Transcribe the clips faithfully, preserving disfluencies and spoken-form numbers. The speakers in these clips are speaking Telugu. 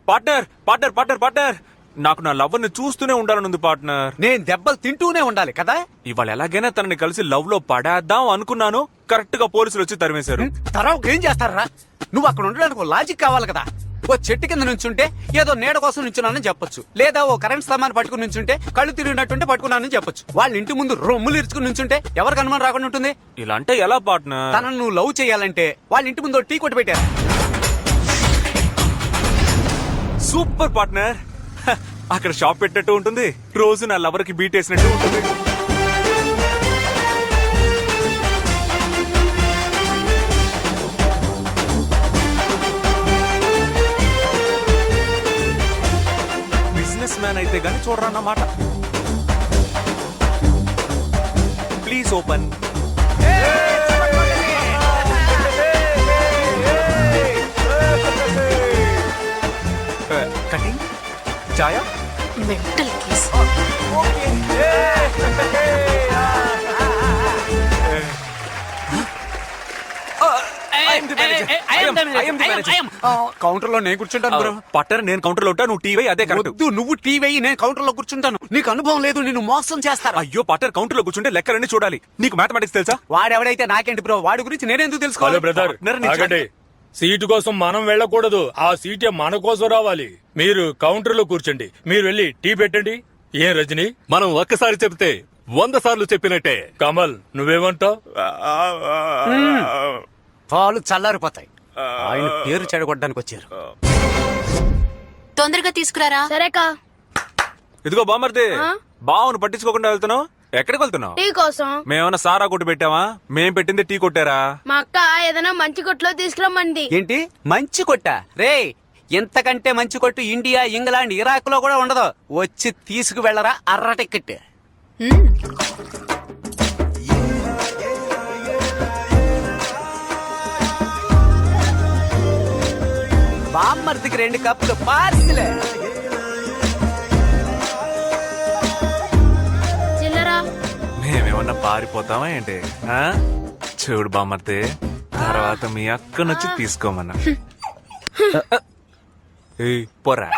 పార్ట్నర్ పార్ట్నర్ పార్ట్నర్ పార్ట్నర్ నాకు నా లవ్ ని చూస్తూనే ఉండాలనుంది పార్ట్నర్. నేను దెబ్బలు తింటూనే ఉండాలి కదా. ఇవాళ ఎలాగైనా తనని కలిసి లవ్ లో పడేద్దాం అనుకున్నాను. కరెక్ట్ గా పోలీసులు వచ్చి తరిమేశారు. తర్వాత ఏం చేస్తారా? నువ్వు అక్కడ ఉండడానికి ఒక లాజిక్ కావాలి కదా. ఓ చెట్టు కింద నుంచుంటే ఏదో నీడ కోసం నుంచున్నానని చెప్పొచ్చు, లేదా ఓ కరెంట్ స్తంభాన్ని పట్టుకుని నుంచుంటే కళ్ళు తిరిగినట్టుంటే పట్టుకున్నానని చెప్పొచ్చు. వాళ్ళ ఇంటి ముందు రొమ్ములు ఇరుచుకుని నుంచుంటే ఎవరికి అనుమానం రాకుండా ఉంటుంది? ఇలా అంటే ఎలా పార్ట్నర్? తనను నువ్వు లవ్ చేయాలంటే వాళ్ళ ఇంటి ముందు టీ కొట్టి పెట్టారు. Super partner. అక్కడ షాప్ పెట్టినట్టు ఉంటుంది, రోజు నా లవర్ కి బీట్ వేసినట్టు ఉంటుంది. బిజినెస్ మ్యాన్ అయితే గానీ చూడరన్నమాట. Please open. కటింగ్ చాయా మెంటల్ కేస్. కౌంటర్ లో నేను కూర్చుంటాను బ్రో. పట్టర్ నేను కౌంటర్ లో ఉంటా, నువ్వు టీవీ అదే కరెక్ట్. వద్దు, నువ్వు టీవీ, నేను కౌంటర్ లో కూర్చుంటాను. నీకు అనుభవం లేదు, నిన్ను మోసం చేస్తారు. అయ్యో పట్టర్ కౌంటర్ లో కూర్చుంటే లెక్కలన్నీ చూడాలి. నీకు మ్యాథమెటిక్స్ తెలుసా? వాడెవడైతే నాకేంటి బ్రో, వాడి గురించి నేనెందుకు హలో తెలుసుకోవాలి? బ్రదర్, పార్ట్నర్ ని ఆగండి. సీటు కోసం మనం వెళ్ళకూడదు, ఆ సీటే మన కోసం రావాలి. మీరు కౌంటర్ లో కూర్చోండి, మీరు వెళ్ళి టీ పెట్టండి. ఏం రజని, మనం ఒక్కసారి చెప్తే వంద సార్లు చెప్పినట్టే. కమల్ నువ్వేమంటావ్? పాలు చల్లారిపోతాయి. ఆయన పేరు చెడగొట్టడానికి వచ్చారు. తొందరగా తీసుకురారా. సరేకా. ఇదిగో బామర్ది, బావును పట్టించుకోకుండా వెళ్తున్నావు. ఎక్కడికి వెళ్తున్నావు? టీ కోసం. మేమన్నా సారా కొట్టు పెట్టావా? మేం పెట్టింది టీ కొట్టారా? మా అక్క ఏదైనా మంచి కొట్లో తీసుకురమ్మంది. ఏంటి మంచి కొట్ట? రే, ఎంతకంటే మంచి కొట్టు ఇండియా, ఇంగ్లాండ్, ఇరాక్ లో కూడా ఉండదు. వచ్చి తీసుకు వెళ్ళరా అర్ర టికెట్. బామ్మర్దికి రెండు కప్పులు పార్సిలే. చిల్లరా. మేమేమన్నా పారిపోతావా ఏంటి? ఆ? చూడు బామర్ది, తర్వాత మీ అక్కనొచ్చి తీసుకోమన్నా. ఏయ్, పోరా.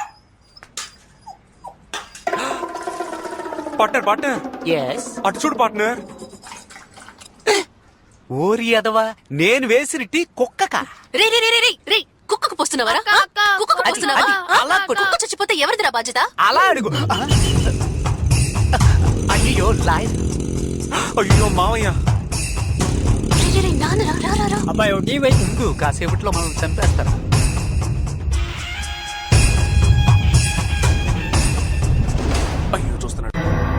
పార్ట్నర్ పార్ట్నర్ అటు చూడు పార్ట్నర్. ఓరి అదవా, నేను వేసిన టీ కుక్కకా? రే రే రే రే రే కుక్కకు పోస్తున్నావరా? అక్క, అక్క. కుక్కకు అది, పోస్తున్నావా? అది, అలా కొట్టు. కుక్క చచ్చిపోతే ఎవరిదిరా బాధ్యత? అలా అడుగు. అయ్యో లాయ్. అయ్యో మావయ్య. రే, రే, రే, నాన్న రా, రా, రా, రా. అబ్బాయి టీ వైపు ఉండు, కాసేపట్లో మనం చంపేస్తారు. అయ్యో చూస్తున్నాడు.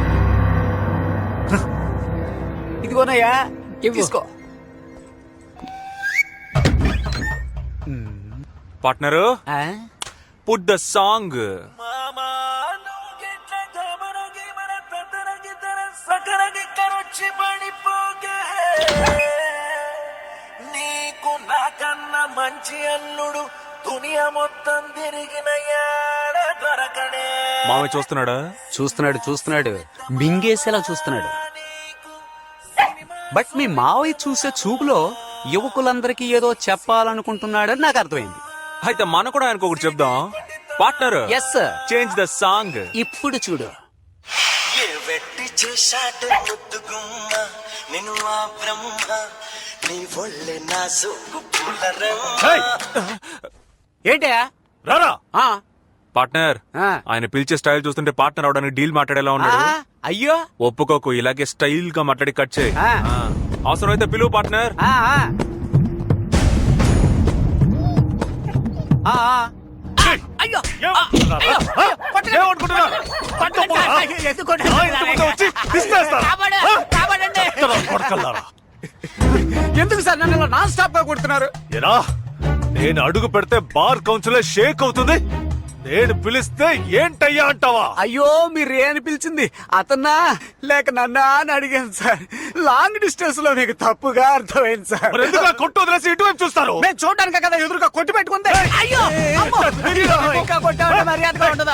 ఇదిగోనయ్యా, తీసుకో. పార్ట్నరు, ఆ? Put the song. నీకు నాకన్నా మంచి అల్లుడు దునియా మొత్తం తిరిగిన దొరకడే. మామయ్య చూస్తున్నాడా? చూస్తున్నాడు చూస్తున్నాడు మింగేసేలా చూస్తున్నాడు. బట్ మీ మావయ్య చూసే చూపులో యువకులందరికీ ఏదో చెప్పాలనుకుంటున్నాడని నాకు అర్థమైంది. అయితే మనం కూడా ఆయనకు ఒకటి చెప్దాం. Partner, yes sir. Change the song. ఇప్పుడు చూడు. ఏ వెట్టి చేశాడు ముద్దు గుమ్మ, నేను ఆ బ్రహ్మ, నీ ఒళ్ళే నా సోకు పూలరమ్మ. ఏంటయా? రారా. ఆ, పార్ట్నర్, ఆ. ఆయన పిలిచే స్టైల్ చూస్తుంటే పార్ట్నర్ అవడానికి డీల్ మాట్లాడేలా ఉన్నాడు. ఆ, అయ్యో. ఒప్పుకోకు, ఇలాగే స్టైల్ గా మాట్లాడి కట్ చేయి. ఆ. ఆ. అవసరం అయితే పిలువు పార్ట్నర్. ఆ, ఆ. ఆ, ఆ. అయ్యో. ఏం- అయ్యో. కొట్టండి. ఏమనుకుంటున్నారు? కొట్టండి. అయ్యో, ఎందుకు కొట్టారు? ఇంతకుముందే వచ్చి విసిరేస్తారు. కాపాడు, కాపాడండి. కొడకల్లారా. ఎందుకు సార్ నన్ను నాన్ స్టాప్ గా కొడుతున్నారు? ఏరా, నేను అడుగు పెడితే బార్ కౌన్సిలర్ షేక్ అవుతుంది, నేను పిలిస్తే ఏంటయ్యా అంటావా? అయ్యో, మీరు ఏ అని పిలిచింది? అతన్నా లేక నన్నా అని అడిగాను సార్. లాంగ్ డిస్టెన్స్ లో మీకు తప్పుగా అర్థమైంది సార్. మరి ఎందుకు ఆ కొట్టు వదిలేసి ఇటువైపు చూస్తారు? మేము చూడడానికి కదా ఎదురుగా కొట్టి పెట్టుకుంది. అయ్యో, అమ్మో. అయ్యో, ఇంకా కొట్టామంటే మర్యాదగా ఉండదా?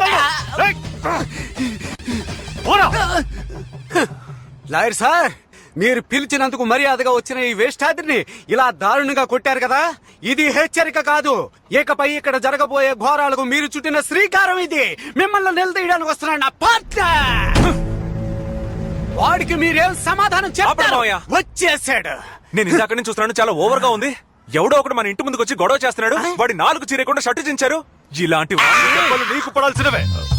ఏయ్! పోరా. లాయర్ సార్, మీరు పిలిచినందుకు మర్యాదగా వచ్చిన ఈ వేష్టాద్రిని ఇలా దారుణంగా కొట్టారు కదా, ఇది హెచ్చరిక కాదు. ఇకపై ఇక్కడ జరగబోయే ఘోరాలకు మీరు చుట్టిన శ్రీకారం ఇది. మిమ్మల్ని నిలదీయడానికి వస్తున్నాడు నా పార్ట్నర్. వాడికి మీరేం సమాధానం ఆపండి చెప్తారు? మావయ్య. వచ్చేసాడు. నేను ఇందాక నుంచి చూస్తున్నాను, చాలా ఓవర్ గా ఉంది. ఎవడో ఒకడు మన ఇంటి ముందుకు వచ్చి గొడవ చేస్తున్నాడు, వాడి నాలుగు చీరకుండా షర్టు చించారు. ఇలాంటి వాడి దెబ్బలు నీకు పడాల్సినవే.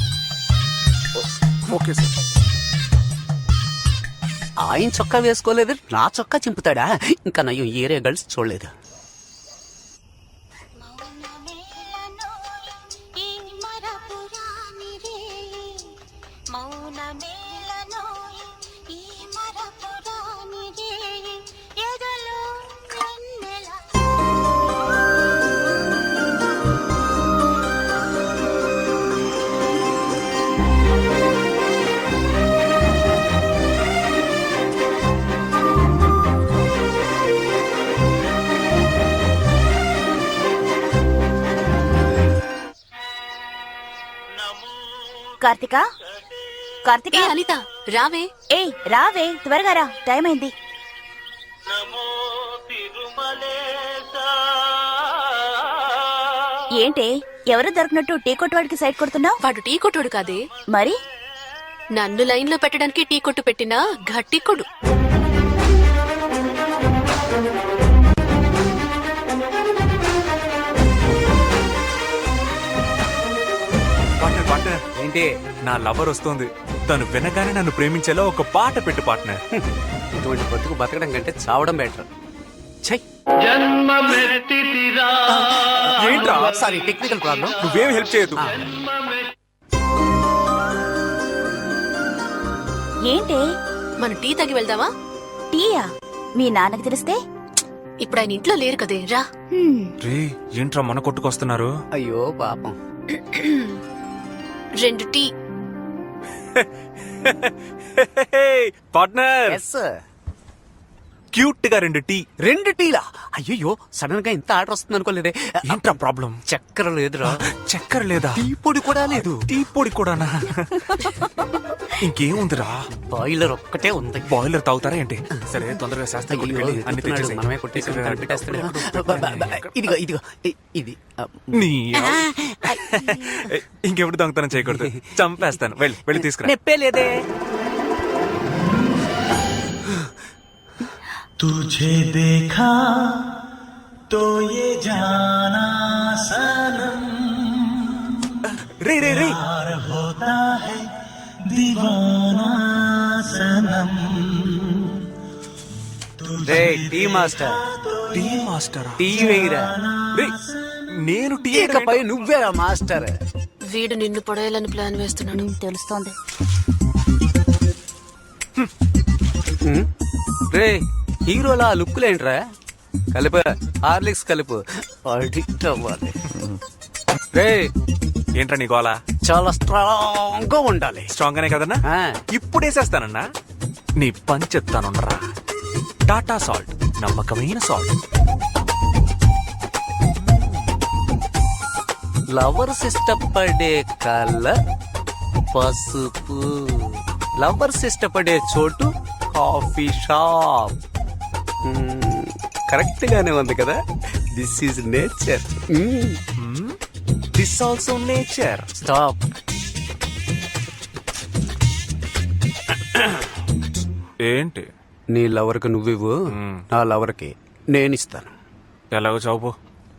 Okay sir. ఆయన చొక్కా వేసుకోలేదు, నా చొక్కా చింపుతాడా? ఇంకా నయ్యం ఏరే గర్ల్స్ చూడలేదు. కార్తిక కార్తిక ఏ అనిత రావే. ఏ రావే త్వరగా రా, టైం అయింది. ఏంటి ఎవరు దొరికినట్టు టీ కొట్టు వాడికి సైడ్ కొడుతున్నావు? వాడు టీ కొట్టుడు కాదే, మరి నన్ను లైన్ లో పెట్టడానికి టీ కొట్టు పెట్టిన గట్టి కొడు. పార్ట్నర్ పార్ట్నర్, ఏంటి? నా లవర్ వస్తుంది. తను వినగానే నన్ను ప్రేమించేలా ఒక పాట పెట్టు పార్ట్నర్. ఇటువంటి బతుకు బతకడం కంటే చావడం బెటర్. ఛై, ఏంట్రా? Sorry, technical problem. నువ్వేం హెల్ప్ చేయదు. ఏంటి మన టీ తగి వెళ్దామా? టీయా? మీ నాన్నకి తెలిస్తే? ఇప్పుడు ఆయన ఇంట్లో లేరు కదే, రా. హ్మ్, రే, ఏంట్రా మన కొట్టుకొస్తున్నారు? అయ్యో పాపం. రెండు టీ. పార్ట్నర్, ఎస్, క్యూట్ గా రెండు టీ. రెండు టీలా? అయ్యో, సడన్ గా ఇంత ఆర్డర్ వస్తుంది అనుకోలేదే. ఏంట్రా ప్రాబ్లం? చక్కెర లేదురా. చక్కెర లేదా? టీ పొడి కూడా లేదు. టీ పొడి కూడానా? ఇంకేముందిరా? బాయిలర్ ఒక్కటే ఉంది. బాయిలర్ తాగుతారా ఏంటి? సరే, తొందరగా శాస్త్రి అయ్యో, కొట్టుకెళ్ళి అన్ని ఎత్తుతున్నాడు. తెచ్చేసేయ్. మనమే కొట్టేసి ఉంటాడు, పెట్టేస్తాడు. బ- బ- బ- ఇదిగో ఇదిగో ఇ- ఇది ఆ, నీ ఇంకెప్పుడు దొంగతనం చేయకూడదు, చంపేస్తాను. వెళ్ళి వెళ్ళి తీసుకురా. నెప్పే లేదే. तुझे देखा तो ये जाना सनम రే రే రే, प्यार होता है दीवाना सनम రే టీ మాస్టర్, టీ మాస్టరా? టీ వేయరా. రే, నేను టీ ఇకపై నువ్వేరా మాస్టర్. వీడు నిన్ను పొడేయాలని ప్లాన్ వేస్తున్నాడు. హ్మ్, తెలుస్తోంది. రే, హీరోలా లుక్కులేంట్రా? కలుపు, హార్లిక్స్ కలుపు, అడిక్ట్ అవ్వాలి. రే, ఏంట్రా నీ గోలా? చాలా స్ట్రాంగ్ గా ఉండాలి. స్ట్రాంగ్ గానే కదన్నా? ఆ. ఇప్పుడు వేసేస్తానన్నా. నీ పని చెప్తానుండరా. టాటా సాల్ట్, నమ్మకమైన సాల్ట్. లవర్స్ ఇష్టపడే కలర్ పసుపు, లవర్స్ ఇష్టపడే చోటు కాఫీ షాప్. కరెక్ట్ గానే ఉంది కదా. This is nature. This also nature. Stop. ఏంటి? నీ లవర్ కి నువ్వివ్వు, నా లవర్ కి నేను ఇస్తాను. ఎలాగో చావు.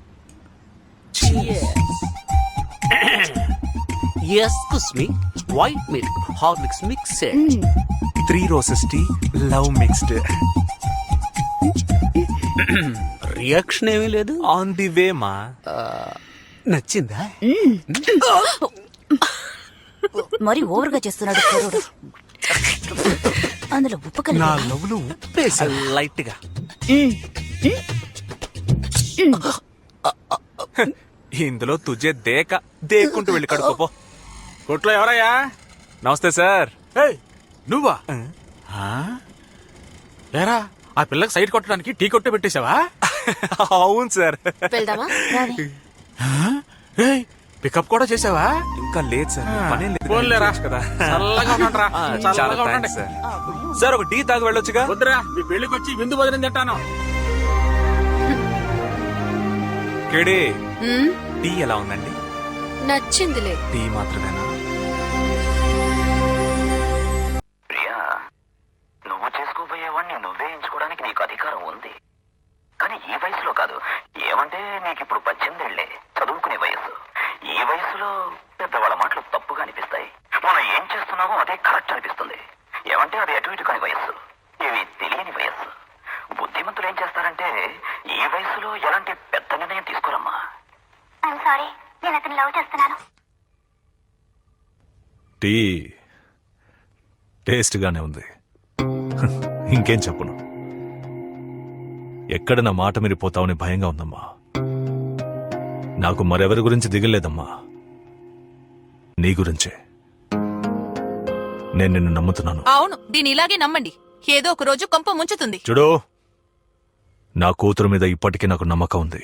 Excuse me, white milk Horlicks mixed. Three roses tea, love mixed. Reaction ఏమీ లేదు. ఆన్ ది వే మా. నచ్చిందా? మరి ఓవర్ గా చేస్తున్నాడు కుర్రోడు. అందులో ఉప్పు కలిపి. నా లవ్లు ఉప్పేసా లైట్ గా. ఇందులో తుజే దేక దేక్కుంటూ వెళ్ళి కడుకోపో. కొట్లో ఎవరయ్యా? నమస్తే సార్. నువ్వా? ఏరా, ఆ పిల్లకి సైడ్ కొట్టడానికి టీ కొట్టు పెట్టేశావా? అవును సార్. వెళ్దామా? రావే. ఏయ్, పికప్ కూడా చేసావా? ఇంకా లేదు సార్ పనేం లేదు పోన్లేరా. చేయొచ్చు కదా చల్లగా ఉండండిరా. ఆ, చల్లగా చాలా ఉండండి. థాంక్స్ సార్ సార్ ఒక టీ తాగి వెళ్ళొచ్చుగా వద్దురా, మీ పెళ్లికి వచ్చి విందు భోజనం తింటాను. కేడే ఉమ్, టీ ఎలా ఉందండి? నచ్చిందిలే. టీ మాత్రమేనా? ప్రియా, నువ్వు చేసుకోబోయేవాడిని నువ్వే ఎంచుకోవడానికి నీకు అధికారం ఉంది. కానీ ఈ వయసులో కాదు. ఏమంటే నీకిప్పుడు పద్దెనిమిదేళ్లే, చదువుకునే వయసు. ఈ వయసులో పెద్దవాళ్ళ మాటలు తప్పుగా అనిపిస్తాయి. మనం ఏం చేస్తున్నామో అదే కరెక్ట్ అనిపిస్తుంది. ఏమంటే అది అటు ఇటు కాని వయస్సు, ఇవి తెలియని వయస్సు. బుద్ధిమంతులు ఏం చేస్తారంటే ఈ వయసులో ఎలాంటి పెద్ద నిర్ణయం తీసుకోరమ్మా. సారీ, నేను అతను లవ్ చేస్తున్నాను. టీ టేస్ట్ గానే ఉంది. ఇంకేం చెప్పను. ఎక్కడ నా మాట మీరిపోతావని భయంగా ఉందమ్మా. నాకు మరెవరి గురించి దిగలేదమ్మా, నీ గురించే. నేను నిన్ను నమ్ముతున్నాను. అవును, దీని ఇలాగే నమ్మండి. ఏదో ఒక రోజు కొంప ముంచుతుంది. చూడు, నా కూతురు మీద ఇప్పటికీ నాకు నమ్మకం ఉంది.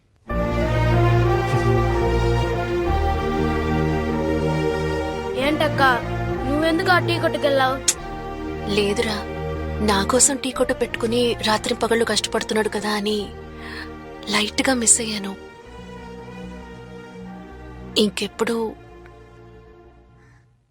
ఏంటక్క నువ్వెందుకు ఆ టీ కొట్టుకెళ్ళావు? లేదురా, నా కోసం టీ కొట్టు పెట్టుకుని రాత్రి పగళ్ళు కష్టపడుతున్నాడు కదా అని లైట్ గా మిస్ అయ్యాను. ఇంకెప్పుడు